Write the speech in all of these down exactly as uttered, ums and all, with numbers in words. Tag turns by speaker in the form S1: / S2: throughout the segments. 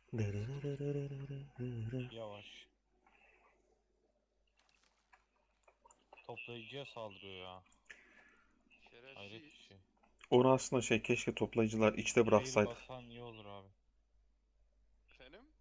S1: Yavaş. Toplayıcıya saldırıyor ya. Hayret bir
S2: Şerefsiz.
S1: şey.
S3: Onu aslında şey keşke toplayıcılar içte
S1: Fail
S3: bıraksaydı.
S1: basan iyi olur abi.
S2: Efendim?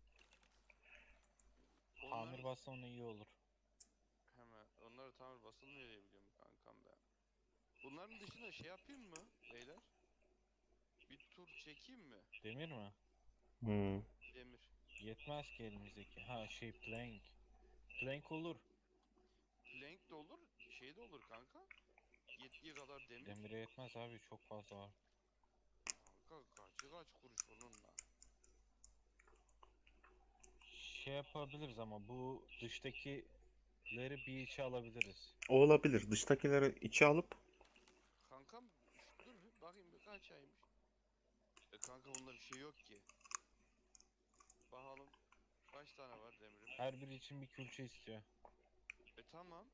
S1: Tamir
S2: Onlar
S1: basan iyi olur.
S2: hemen onları tamir basılmıyor diye biliyorum kankam ben. Bunların dışında şey yapayım mı beyler? Bir tur çekeyim mi?
S1: Demir mi?
S3: Hmm.
S2: Demir.
S1: Yetmez ki elimizdeki. Ha şey plank. Plank olur.
S2: Plank de olur, şey de olur kanka. Yettiği kadar demir.
S1: Demire yetmez abi, çok fazla var.
S2: Kanka kaçı kaç kuruş onunla.
S1: Şey yapabiliriz ama bu dıştakileri bir içe alabiliriz.
S3: O olabilir. Dıştakileri içe alıp
S2: Kankam şu- dur bir bakayım bir kaç aymış. E kanka bunda bir şey yok ki. Bakalım kaç tane var demirimiz?
S1: Her biri için bir külçe istiyor.
S2: E tamam.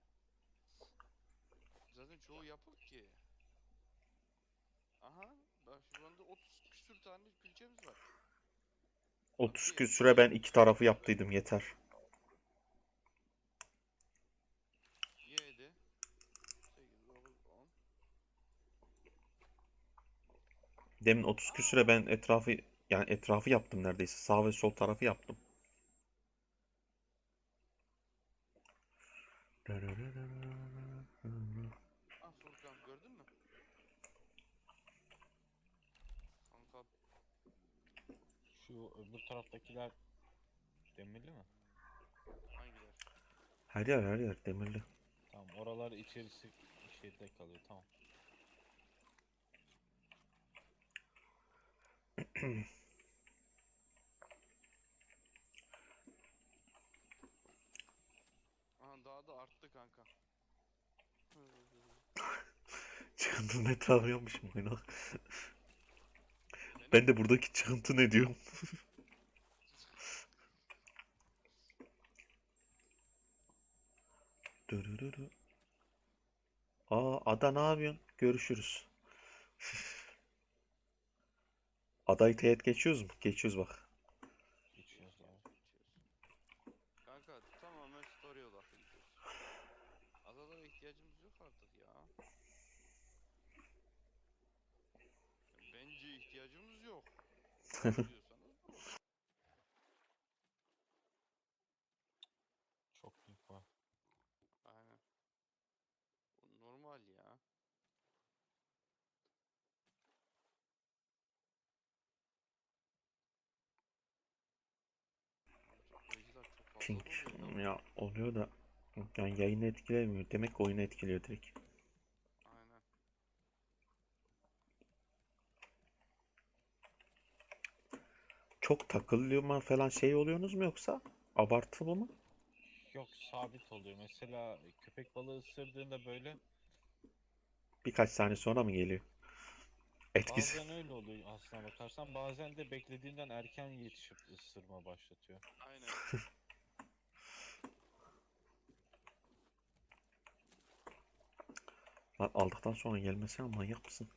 S2: Zaten çoğu yapık ki. Aha bak şu anda otuz küsür tane külçemiz var. Bak
S3: otuz
S2: bir,
S3: küsüre ben iki tarafı
S2: beş,
S3: yaptıydım yeter.
S2: yedi, sekiz, dokuz, on.
S3: Demin otuz küsüre
S2: Aa!
S3: ben etrafı yani etrafı yaptım neredeyse. Sağ ve sol tarafı yaptım.
S2: Ah Furkan gördün mü? Kanka
S1: Şu öbür taraftakiler demirli mi?
S2: hangiler?
S3: Her yer her yer demirli.
S1: Tamam, oralar içerisi şeyde kalıyor, tamam.
S2: Aha daha da arttı kanka.
S3: Çıkıntının etrafı yapmışım oyunu.
S2: Efendim?
S3: Ben de buradaki çıkıntı ne diyorum? Dürürürü. Aa Ada ne yapıyorsun? Görüşürüz. Adayı teğet geçiyoruz mu? Geçiyoruz bak.
S1: Geçiyoruz
S2: Geçiyoruz
S1: abi.
S2: geçiyoruz. Kanka tamamen story odaklı gidiyoruz. Adalara ihtiyacımız yok artık ya. Bence ihtiyacımız yok. Olur diyorsanız bu.
S1: Çok büyük var.
S2: Aynen. Bu normal ya. Abi toplayıcılar çok fazla
S3: Ping.
S2: doluyor ya
S3: Ya
S2: bugün.
S3: oluyor da yani yayını etkilemiyor. Demek ki oyunu etkiliyor direkt.
S2: Aynen.
S3: Çok takılıyor mu falan şey oluyorsunuz mu yoksa abartılı mı?
S1: Yok, sabit oluyor. Mesela köpek balığı ısırdığında böyle
S3: Birkaç saniye sonra mı geliyor? Etkisi.
S1: bazen öyle oluyor aslına bakarsan. Bazen de beklediğinden erken yetişip ısırma başlatıyor.
S2: Aynen.
S3: Lan aldıktan sonra gelmesene manyak mısın?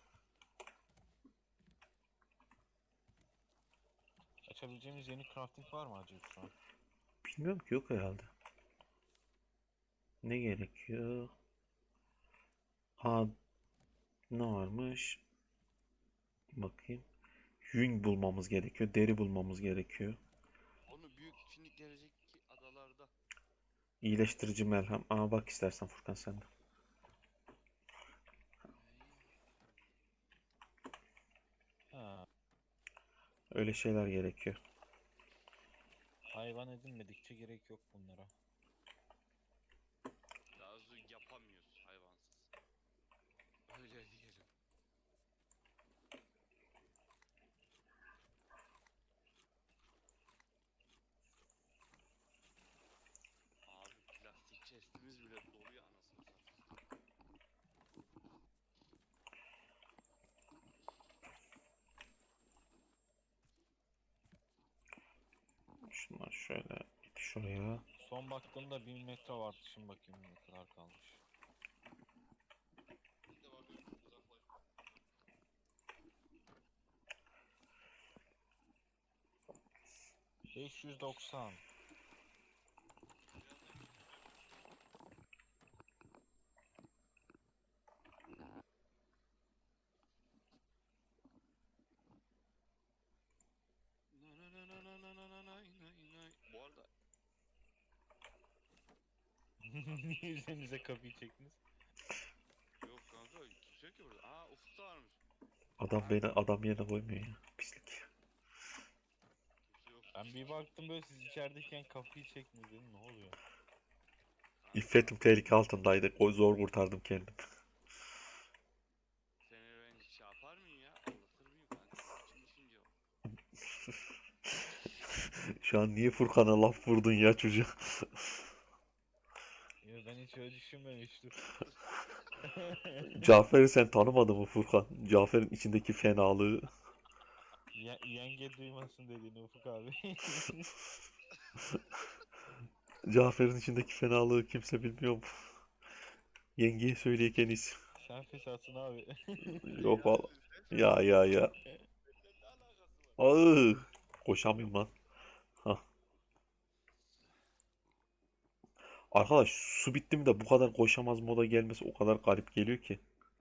S1: Açabileceğimiz yeni crafting var mı acaba şu an?
S3: Bilmiyorum ki yok herhalde. Ne gerekiyor? Ha ne varmış? Bakayım. Yün bulmamız gerekiyor. Deri bulmamız gerekiyor.
S2: Onu büyük şimdi gelecek adalarda.
S3: İyileştirici merhem. Aa bak istersen Furkan sen de.
S2: Ey,
S1: Ha,
S3: Öyle şeyler gerekiyor.
S1: hayvan edinmedikçe gerek yok bunlara.
S2: daha hızlı yapamıyoruz hayvansız. Öyle diyelim. Abi plastik chestimiz bile doluyor anasını satayım.
S3: Şunlar şöyle git şuraya.
S1: Son baktığımda bin metre vardı. Şimdi bakayım ne kadar kalmış.
S2: Bir de bakıyorum uzaklaş.
S1: beş yüz doksan.
S2: Na na na na na na na nay nay nay. Bu arada
S1: Niye üzerinize kapıyı çektiniz?
S2: yok kanka kimse yok ki burada. Aa Ufuk da varmış.
S3: Adam beni adam yerine koymuyor ya. Pislik.
S2: Kimse yok.
S1: Ben bir baktım böyle siz içerideyken kapıyı çektiniz dedim, ne oluyor?
S2: Kanka,
S3: İffetim tehlike altındaydı. O zor kurtardım kendim.
S2: seni ben şey yapar mıyım ya? Anlatır mıyım kanka? İçim düşünce o.
S3: Şu an niye Furkan'a laf vurdun ya çocuğa?
S1: Ya ben hiç öyle düşünmemiştim.
S3: Cafer'i sen tanımadın mı Furkan? Cafer'in içindeki fenalığı.
S1: Ye- yenge duymasın dediğini Ufuk abi.
S3: Cafer'in içindeki fenalığı kimse bilmiyor mu? Yengeye söyleyken iyisi.
S1: Sen fesatsın abi.
S3: Yok
S2: Ya
S3: valla.
S2: sen
S3: Ya ya ya.
S2: Benden ne alakası var?
S3: Ağır. Koşamıyorum lan. Hah. Arkadaş su bitti mi de bu kadar koşamaz moda gelmesi o kadar garip geliyor ki.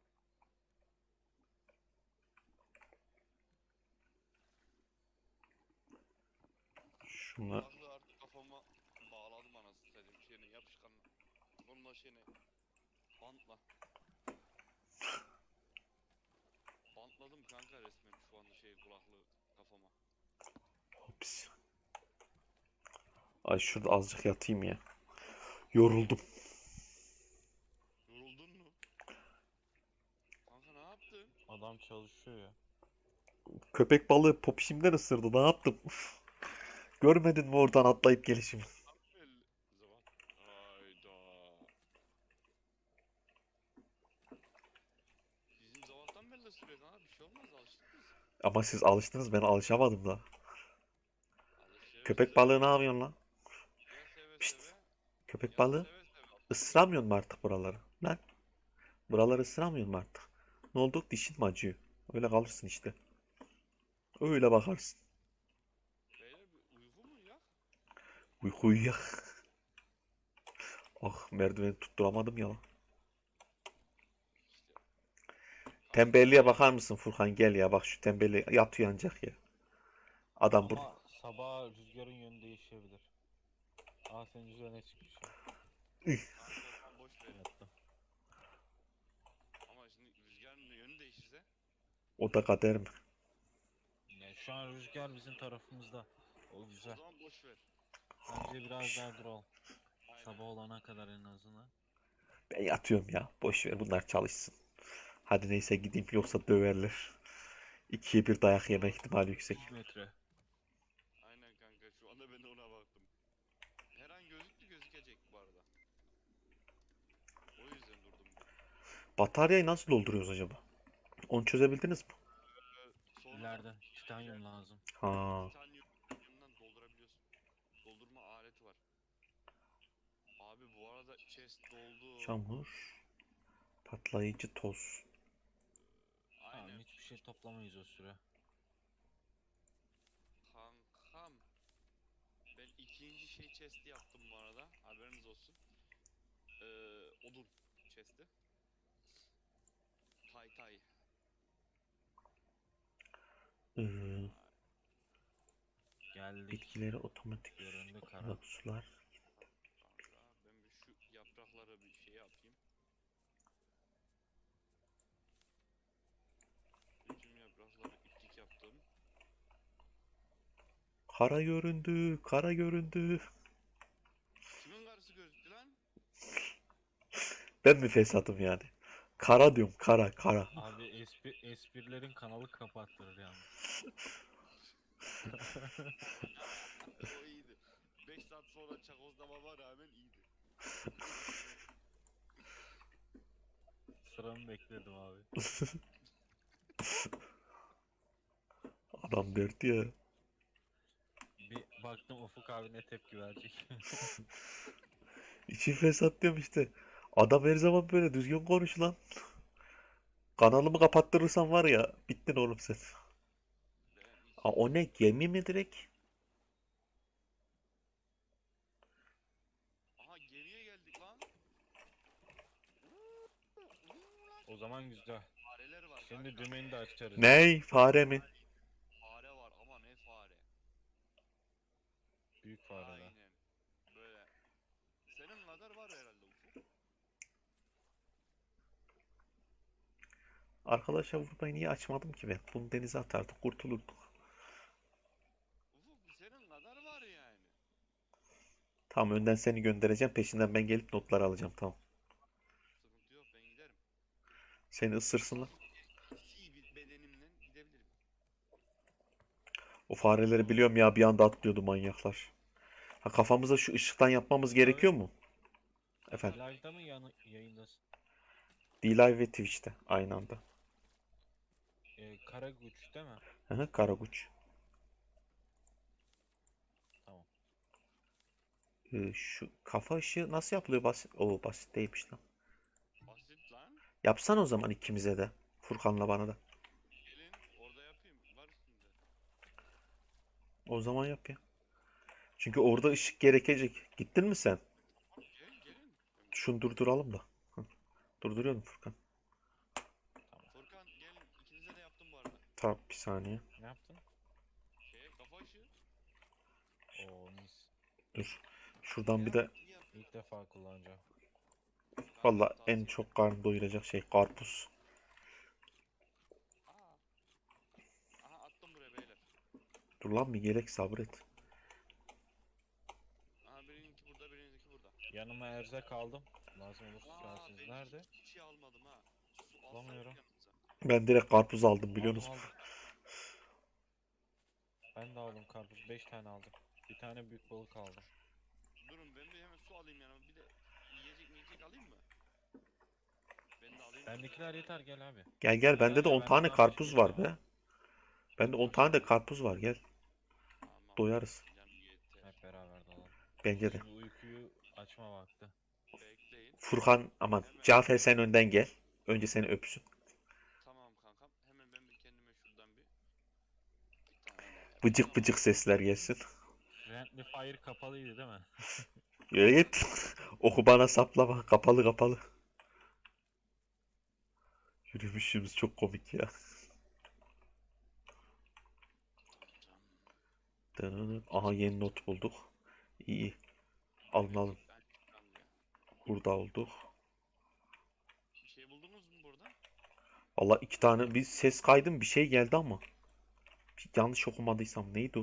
S3: Şunlar
S2: Kulaklığı artık kafama bağladım anasını satayım şeyine yapışkanla. Onunla şeyine bantla. Bantladım kanka resmen şu anda şey kulaklığı kafama.
S3: Hops. Ay şurada azıcık yatayım ya. Yoruldum.
S2: Yoruldun mu? Kanka ne yaptın?
S1: Adam çalışıyor ya.
S3: Köpek balığı popişimden ısırdı. Ne yaptım? Görmedin mi oradan atlayıp gelişimi?
S2: Belli. Zaman. Hayda. Bizim zavallıdan belli sürüyor kanka bir şey olmaz alıştık biz.
S3: Ama siz alıştınız ben alışamadım da.
S2: Alışıyoruz
S3: Köpek
S2: seve
S3: balığı ne
S2: seve.
S3: yapıyorsun lan?
S2: Ya seve
S3: Pişt.
S2: seve.
S3: Köpek
S2: Ya
S3: balığı
S2: seve seve.
S3: ısıramıyor mu artık buraları? Lan buraları ısıramıyor mu artık? Ne oldu? Dişin mi acıyor? Öyle kalırsın işte. Öyle bakarsın.
S2: Beyler bir uyku mu ya?
S3: Uyku uyuyak. Ah merdiveni tutturamadım ya lan.
S2: İşte.
S3: Tembelliğe bakar mısın Furkan gel ya bak şu tembelliğe yatıyor ancak ya. Adam bu.
S1: Ama sabah rüzgarın yönü değişebilir. Aa senin üzerine çıkmış ya.
S2: Kanka o zaman boş ver.
S1: Yattım.
S2: Ama şimdi rüzgarın yönü değişirse.
S3: O da kader mi?
S1: Yani şu an rüzgar bizim tarafımızda. O
S2: O
S1: güzel.
S2: zaman boş ver.
S1: Bence biraz daha duralım.
S2: Aynen.
S1: Sabah olana kadar en azından.
S3: Ben yatıyorum ya. Boş ver bunlar çalışsın. Hadi neyse gideyim yoksa döverler. İkiye bir dayak yeme ihtimali yüksek.
S1: üç metre.
S2: Aynen kanka şu anda ben de ona baktım. Her an gözüktü gözükecek bu arada. O yüzden durdum.
S3: Bataryayı nasıl dolduruyoruz acaba? Onu çözebildiniz mi?
S2: Ee, sonra
S1: İleride titanyum lazım.
S3: Ha,
S2: titanyumdan doldurabiliyorsun. Doldurma aleti var. Abi bu arada chest doldu.
S3: çamur, patlayıcı toz.
S1: Tamam
S2: Aynen.
S1: hiçbir şey toplamayız o süre.
S2: Kankam. Ben ikinci şey chest'i yaptım bu arada. Haberiniz olsun. Ee, odun chest'i. Tay tay.
S3: Ee,
S1: Geldik.
S3: bitkileri otomatik
S1: Göründü kara.
S3: olarak sular.
S2: Kanka ben bir şu yapraklara bir şey yapayım. Bütün yaprakları iplik yaptım.
S3: Kara göründü, kara göründü.
S2: Kimin karısı gözüktü lan?
S3: Ben mi fesatım yani? Kara diyorum, kara, kara.
S1: Abi espri, esprilerin kanalı kapattırır yalnız.
S2: O iyiydi. beş saat sonra çakozlamama rağmen iyiydi.
S1: Sıramı bekledim abi.
S3: Adam derdi ya.
S1: Bir baktım Ufuk abi ne tepki verecek.
S3: İçin fesat diyorum işte. Adam her zaman böyle düzgün konuş lan. Kanalımı kapattırırsan var ya, bittin oğlum sen.
S2: Ben hiç
S3: Aa, o ne? Gemi mi direkt?
S1: zaman güzel.
S2: Fareler var
S1: Şimdi
S2: kanka.
S1: dümeni de açarız.
S3: Ney? Fare mi?
S2: Fare var ama ne fare.
S1: Büyük fareler.
S2: Aynen. Böyle. Senin kadar var herhalde Ufuk.
S3: Arkadaşlar burayı niye açmadım ki ben? Bunu denize atardık, kurtulurduk.
S2: Ufuk senin kadar var yani.
S3: Tamam, önden seni göndereceğim. Peşinden ben gelip notları alacağım. Tamam.
S2: Sıkıntı yok, ben giderim.
S3: Seni ısırsınlar.
S2: Hafif bir bedenimle gidebilirim.
S3: O fareleri biliyorum ya, bir anda atlıyordu manyaklar. Ha, kafamıza şu ışıktan yapmamız gerekiyor mu? Efendim.
S1: Live'da mı yanı, yayındasın?
S3: D-Live ve Twitch'te aynı anda.
S1: Ee, Karaguç değil mi?
S3: Hı hı, Karaguç.
S1: Tamam.
S3: Ee, şu kafa ışığı nasıl yapılıyor? Basit. Oo, basit değilmiş lan.
S2: Basit lan.
S3: Yapsan o zaman ikimize de. Furkan'la bana da.
S2: Gelin orada yapayım. Var üstünde.
S3: O zaman yap ya. Çünkü orada ışık gerekecek. Gittin mi sen?
S2: Tamam, gel gelin.
S3: Şunu durduralım da. Hı. Durduruyorum Furkan.
S2: Furkan gelin. İkinize de yaptım bu arada.
S3: Tamam, bir saniye.
S1: Ne yaptın?
S2: Şeye kafa ışığı.
S1: Oo mis.
S3: Dur. Şuradan bir
S2: Ya,
S3: de
S2: iyi yap.
S1: İlk defa kullanacağım.
S3: valla
S2: Kanka,
S3: en
S2: tavsiye-
S3: çok karnı doyuracak şey karpuz.
S2: Aa. Aha attım buraya beyler.
S3: Dur lan, bir gerek sabret.
S2: Aha birininki burada, birininki burada.
S1: Yanıma erzak aldım. Lazım olursa
S2: Aa
S1: çağırsınız.
S2: ben
S1: Nerede?
S2: hiçbir şey almadım ha. Su alsaydık
S1: Bulamıyorum.
S2: yanımıza.
S3: Ben direkt karpuz aldım, biliyor
S1: Aldım
S3: musun?
S1: aldım. Ben de aldım karpuz. beş tane aldım. Bir tane büyük balık aldım.
S2: Durun ben bir hemen su alayım yanıma. Bir de yiyecek yiyecek alayım mı? Ben de alayım.
S1: Bendekiler yeter, gel abi.
S3: Gel gel, bende
S1: Gel
S3: de
S1: ya,
S3: on
S1: benden
S3: tane
S1: az
S3: karpuz
S1: şey
S3: var
S1: ya.
S3: be. Bende on tane de karpuz var, gel.
S2: Tamam.
S3: Doyarız.
S2: Canım yeter.
S1: Hep beraber dalalım.
S3: Bence de.
S1: Şimdi uykuyu açma vakti.
S2: Bekleyin.
S3: Furkan aman.
S2: Hemen.
S3: Cafer sen önden gel. Önce seni öpsün.
S2: Tamam kankam. Hemen ben bir kendime şuradan bir bir tane daha
S3: Bıcık
S2: yapayım.
S3: bıcık sesler gelsin.
S1: Friendly fire kapalıydı değil mi?
S3: Yürü git. Oku bana saplama. Kapalı kapalı. Yürümüşümüz çok komik ya. Dınınıt. Aha, yeni not bulduk. İyi. Alın alın.
S2: Ben çıkan diye.
S3: Burada olduk.
S2: Bir şey buldunuz mu burada?
S3: Valla iki tane bir ses kaydım, bir şey geldi ama. Bir yanlış okumadıysam neydi o?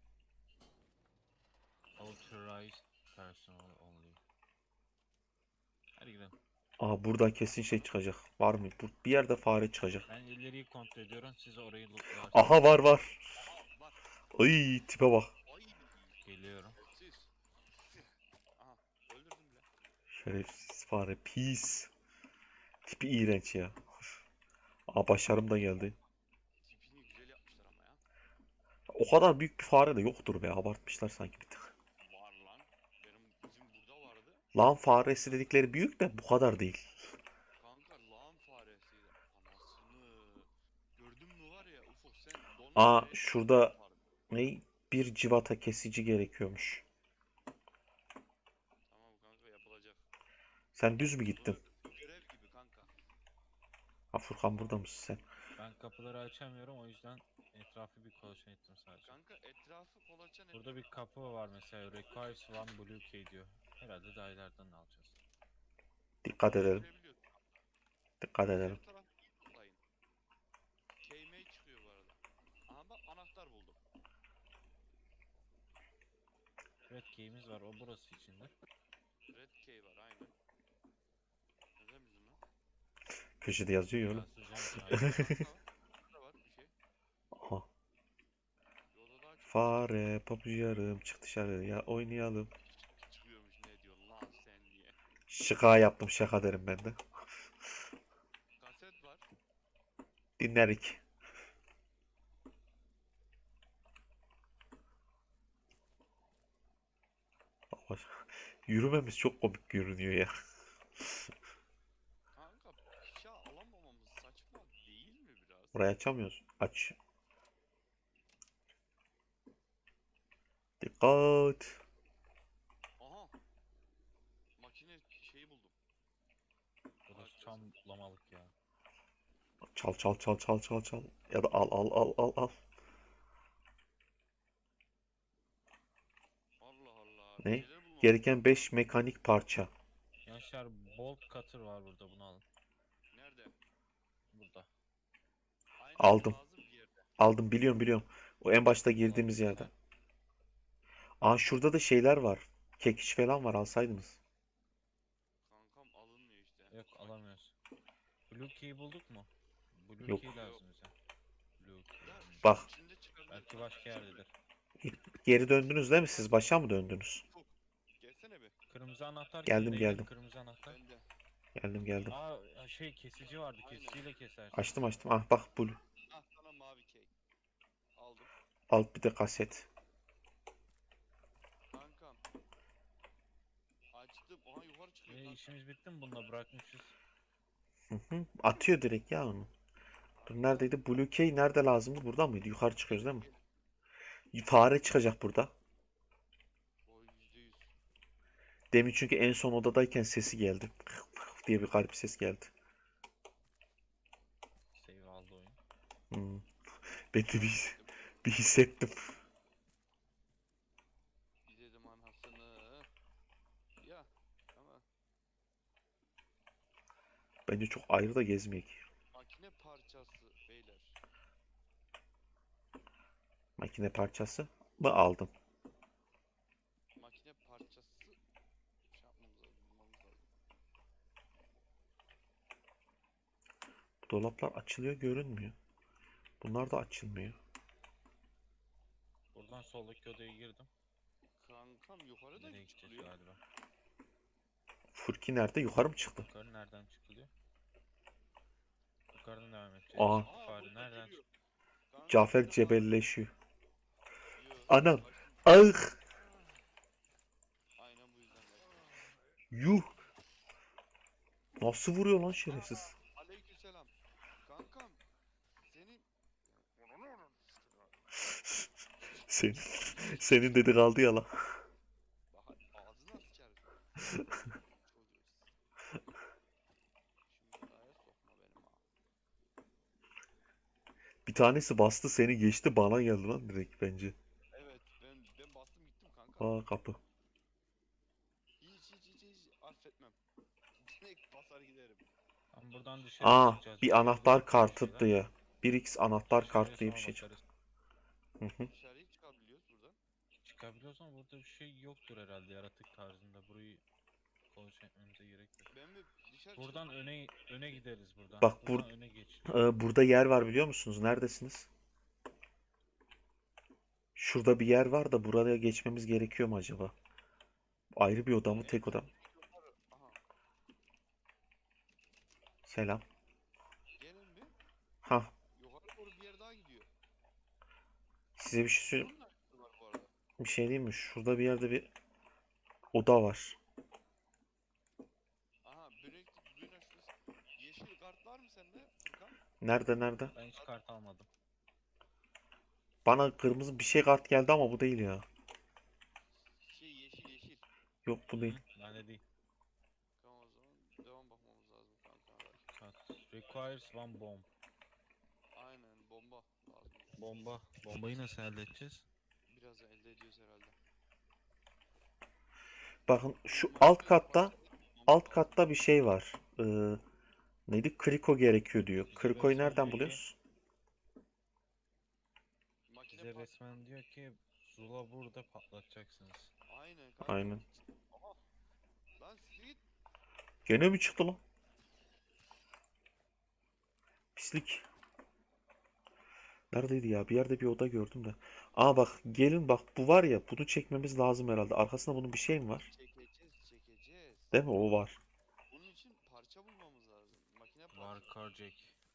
S1: Authorized personal only. Hadi gidelim.
S3: Aa, burada kesin şey çıkacak. Var mı? Bu- Bir yerde fare çıkacak.
S1: Ben ileriyi kontrol ediyorum. Siz orayı lootlarsınız.
S3: Aha, var var.
S2: Aha var.
S3: Ay, tipe bak.
S2: Ay.
S1: Geliyorum.
S2: Siz. Aha öldürdüm bile.
S3: Şerefsiz fare. Pis. Tipi iğrenç ya. Aa, başarım da geldi.
S2: Tipini güzel yapmışlar ama ya.
S3: O kadar büyük bir fare de yoktur be. Abartmışlar sanki bir tık.
S2: Var lan. Benim bizim burada vardı.
S3: Lan faresi dedikleri büyük de bu kadar değil.
S2: Kanka lağım faresiydi. Anasını. Gördün mü var ya Ufuk sen donla
S3: Aa,
S2: fareyi
S3: şurada
S2: yapardım.
S3: ne? Bir civata kesici gerekiyormuş.
S2: Tamam kanka yapılacak.
S3: Sen düz mü gittin?
S2: Bu görev gibi kanka.
S3: Ha, Furkan, burada mısın sen?
S1: Ben kapıları açamıyorum, o yüzden etrafı bir kolaçan ettim sadece.
S2: Kanka etrafı kolaçan et.
S1: Burada bir kapı var mesela. Requires one blue key diyor. Herhalde dayılardan alacağız.
S3: Dikkat edelim.
S2: Görebiliyorsun.
S3: Dikkat edelim.
S2: Her tarafı iyi toplayın. K-May çıkıyor bu arada. Aha bak anahtar buldum.
S1: Red key'imiz var, o burası içinde.
S2: Red Key var aynen. Neden bizim lan?
S3: Köşede yazıyor ya oğlum.
S1: Yazacağım ki, aynen.
S2: Burada var bir şey.
S3: Aha.
S2: Yolda daha çok
S3: Fare pabucu yarım, çık dışarıya oynayalım.
S2: çıkıyormuş ne diyorsun lan sen diye.
S3: Şaka yaptım, şaka derim ben de.
S2: Kaset var.
S3: Dinlerik. Bak, yürümemiz çok komik görünüyor ya.
S2: Kanka bıçağı alamamamız saçma değil mi biraz?
S3: Burayı açamıyoruz. Aç. Dikkat.
S2: Aha. Makine şeyi buldum.
S1: Burası tam lamalık ya.
S3: Çal çal çal çal çal çal. Ya da al al al al al.
S2: Allah Allah. Bir
S3: Ne?
S2: şeyler bulmamız
S3: Gereken
S2: lazım.
S3: beş mekanik parça.
S1: Gençler bolt cutter var burada, bunu alın.
S2: Nerede?
S1: Burada.
S2: Aynen
S3: Aldım.
S2: lazım bir yerde.
S3: Aldım, biliyorum biliyorum. O en başta girdiğimiz
S1: Alabilirsin,
S3: yerde.
S1: ha.
S3: Aa, şurada da şeyler var. Kekiç falan var, alsaydınız.
S2: Kankam alınmıyor işte.
S1: Yok, alamıyoruz. Blue key bulduk mu? Blue
S3: Yok.
S1: key lazım bize. Blue key.
S2: Ya
S1: hmm.
S3: Bak.
S2: içinde çıkabilir.
S1: Belki başka yerdedir.
S3: Geri döndünüz değil mi siz? Başa mı döndünüz?
S2: Gelsene bir.
S1: Kırmızı anahtar
S3: Geldim,
S1: kimdeydi?
S3: geldim.
S1: Kırmızı anahtar.
S2: Bende.
S3: Geldim geldim.
S1: Aa, şey, kesici vardı.
S2: Aynen.
S1: Kesiciyle kesersin.
S3: Açtım açtım. Ah bak, bu.
S2: Ah sana mavi key. Aldım.
S3: Al bir de kaset.
S2: Kankam. Açtım. Oha yukarı çıkıyor
S1: E,
S2: kanka.
S1: işimiz bitti mi bununla, bırakmışız.
S3: Hı hı. Atıyor direkt ya onu. Dur, neredeydi? Blue Key nerede lazımdı? Burada mıydı? Yukarı çıkıyoruz değil mi? Fare çıkacak burada.
S2: O yüzde yüz.
S3: Demin çünkü en son odadayken sesi geldi. diye bir garip ses geldi.
S1: Save aldı oyun.
S3: Hmm. Ben de bir, bir hissettim.
S2: Bir dedim anasını. Ya ama
S3: Bence çok ayrı da gezmeyek.
S2: makine parçası beyler.
S3: Makine parçası mı aldım?
S2: Makine parçası şey yapmamız lazım, bulmamız lazım.
S3: Dolaplar açılıyor, görünmüyor. Bunlar da açılmıyor.
S1: Buradan soldaki odaya girdim.
S2: Kankam yukarıda
S1: Nereye
S2: çıkılıyor.
S1: gideceğiz galiba?
S3: Furki nerede? Yukarı mı çıktı?
S1: Yukarı nereden çıkılıyor? Yukarıdan devam edeceğiz.
S3: Aa.
S2: Aa
S1: Fare
S2: burada
S1: nereden
S2: geliyor.
S1: çıktı?
S2: Kanka,
S3: Cafer
S2: burada
S3: cebelleşiyor.
S2: Yo,
S3: Anam.
S2: kaçtım.
S3: Ah!
S2: Aynen bu yüzden kaçtım.
S3: Yuh! Nasıl vuruyor lan şerefsiz?
S2: Aa, aleykümselam. Kankam senin
S3: Senin, senin dedi kaldı ya lan.
S2: Bak ağzına sıçarım. Çocuğuz. Şimdi araya sokma benim ha.
S3: Bir tanesi bastı seni geçti, bana geldi lan direkt bence.
S2: Evet ben ben bastım gittim kanka.
S3: Aa, kapı.
S2: Hiç hiç hiç hiç affetmem. Direkt basar giderim.
S1: Tam buradan dışarı
S3: Aa,
S1: çıkacağız.
S3: bir
S1: Burada
S3: anahtar
S1: bulduk bir
S3: kartı
S1: şeyler.
S3: diye. bir x anahtar
S1: Dışarıya
S3: kartı diye bir
S1: sonra
S3: şey çıktı.
S1: bakarız.
S3: Hı hı.
S2: Dışarıya çıkabiliyoruz buradan.
S1: Çıkabiliyoruz ama burada bir şey yoktur herhalde, yaratık tarzında. Burayı kontrol etmemize gerek yok.
S2: Ben bir dışarı
S1: Buradan
S2: çıkıp
S1: öne öne gideriz buradan.
S3: Bak,
S1: buradan
S3: bur
S1: öne geç.
S3: Ee, burada yer var, biliyor musunuz? Neredesiniz? Şurada bir yer var da buraya geçmemiz gerekiyor mu acaba? Ayrı bir oda mı,
S2: en
S3: tek oda
S2: son
S3: mı?
S2: yukarı. Aha.
S3: Selam.
S2: Gelin bir.
S3: Ha,
S2: Yukarı doğru bir yer daha gidiyor.
S3: size bir şey söyleyeyim.
S2: Bunun da açısı var bu arada.
S3: Bir şey diyeyim mi? Şurada bir yerde bir oda var.
S2: Aha Breakfast duyun açması. Yeşil kart var mı sende Furkan?
S3: Nerede nerede?
S1: Ben hiç kart almadım.
S3: Bana kırmızı bir şey kart geldi ama bu değil ya.
S2: Şey yeşil yeşil.
S3: Yok, bu değil.
S1: Hı, bende değil.
S2: Tamam o zaman devam bakmamız lazım kanka.
S1: Kart. Requires one bomb.
S2: Aynen bomba lazım.
S1: Bomba. Bombayı nasıl elde edeceğiz?
S2: Biraz elde ediyoruz herhalde.
S3: Bakın şu
S2: Makine
S3: alt katta
S2: parçalarını
S3: alt
S2: bulmamız lazım.
S3: katta bir şey var. Ee, neydi? Kriko gerekiyor diyor.
S1: Bize
S3: Kriko'yu
S1: resmen
S3: nereden
S1: diyor ki-
S3: buluyoruz?
S2: Makine
S1: Bize
S2: par-
S1: resmen diyor ki Zula burada patlatacaksınız.
S2: Aynen kanka.
S3: Aynen.
S2: Aha. Lan siktir.
S3: Gene mi çıktı lan? Pislik. Neredeydi ya? Bir yerde bir oda gördüm de. Aa bak, gelin bak, bu var ya, bunu çekmemiz lazım herhalde. Arkasında bunun bir şey mi var?
S2: Çekeceğiz çekeceğiz.
S3: Değil mi? O var.
S2: Bunun için parça bulmamız lazım. Makine
S1: Var
S2: parçası.
S1: Carjack.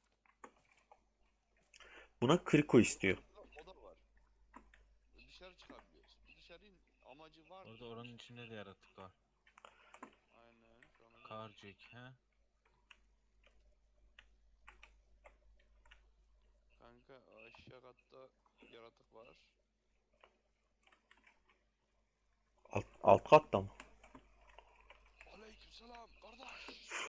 S3: Buna kriko istiyor.
S2: O da var. Dışarı çıkabiliyoruz. Dışarının amacı var.
S1: Orada oranın içinde de yaratık var.
S2: Aynen. Sonra
S1: Carjack he?
S2: kanka aşağı katta yaratık var.
S3: Alt, alt katta mı?
S2: Aleykümselam kardeş.